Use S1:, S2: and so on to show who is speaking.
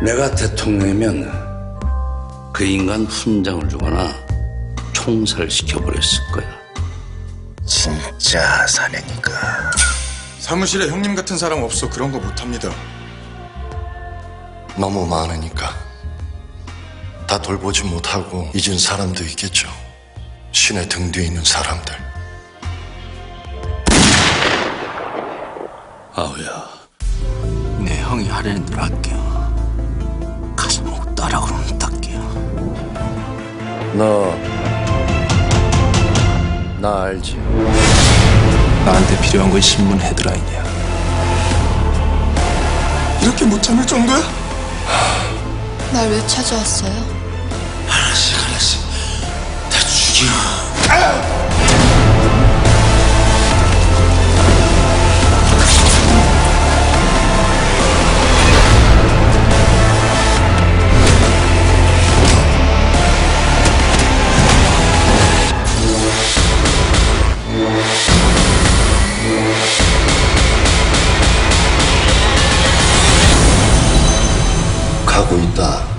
S1: 내가 대통령이면 그 인간 훈장을 주거나 총살시켜버렸을 거야.
S2: 진짜 사내니까.
S3: 사무실에 형님 같은 사람 없어 그런 거 못합니다.
S4: 너무 많으니까 다 돌보지 못하고 잊은 사람도 있겠죠. 신의 등 뒤에 있는 사람들.
S1: 아우야,
S5: 내 형이 하려는 대로 할게요. 가서 뭐 따라 그러면 딸게요.
S4: 나 알지?
S5: 나한테 필요한 건 신문 헤드라인이야.
S3: 이렇게 못 참을 정도야?
S6: 날 왜 찾아왔어요?
S5: 알았어. 다 죽여.
S4: 가고 있다.